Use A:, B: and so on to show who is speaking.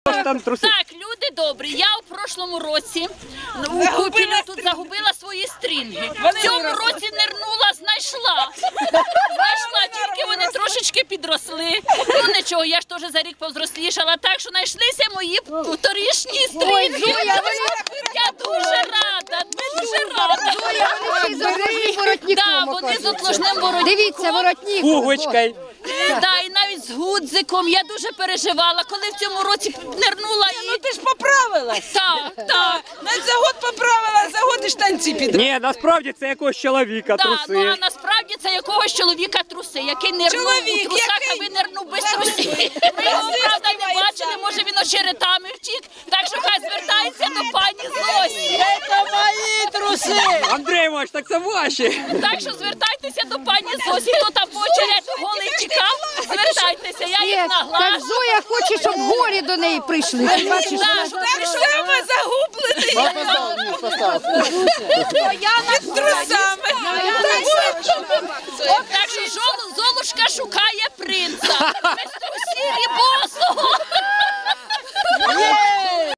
A: ж там труси?
B: Так, люди добрі, я у прошлому році у Купілі тут загубила свої стрінги. В цьому році нирнула, знайшла. Знайшла, тільки вони трошечки підросли. Ну нічого, я ж теж за рік повзрослішала, так що знайшлися мої торішні стрінги. Я дуже рада, дуже рада. Так, вони з отложним воротником.
C: Дивіться, воротник.
A: Пуговичкою.
B: Так, і навіть з гудзиком. Я дуже переживала, коли в цьому році нирнула і...
D: Ну ти ж поправилась.
B: Так, так.
D: Навіть за год поправила, за год і штанці підробила.
A: Ні, насправді це якогось чоловіка
B: Так,
A: труси.
B: ну а насправді це якогось чоловіка труси, який нирнув
D: Чоловік,
B: у трусах, а
D: який?
B: винирнув без трусів. Ми його, правда, не бачили, може він очеретами втік, так що хай звертається до пані Зосі.
D: Це мої труси.
A: Андрій Іванович, так це ваші.
B: Так що звертайтеся до пані Зосі, хто там по очерету голий тікав, звертайтеся, я їх
C: Так
B: наглашу.
C: Зоя хоче, щоб горі до неї прийшли. Ти бачиш?
B: Так, щоб
D: Так само загублений.
B: я на
D: Трусами.
B: Так що Золушка шукає принца. Без трусів і босого.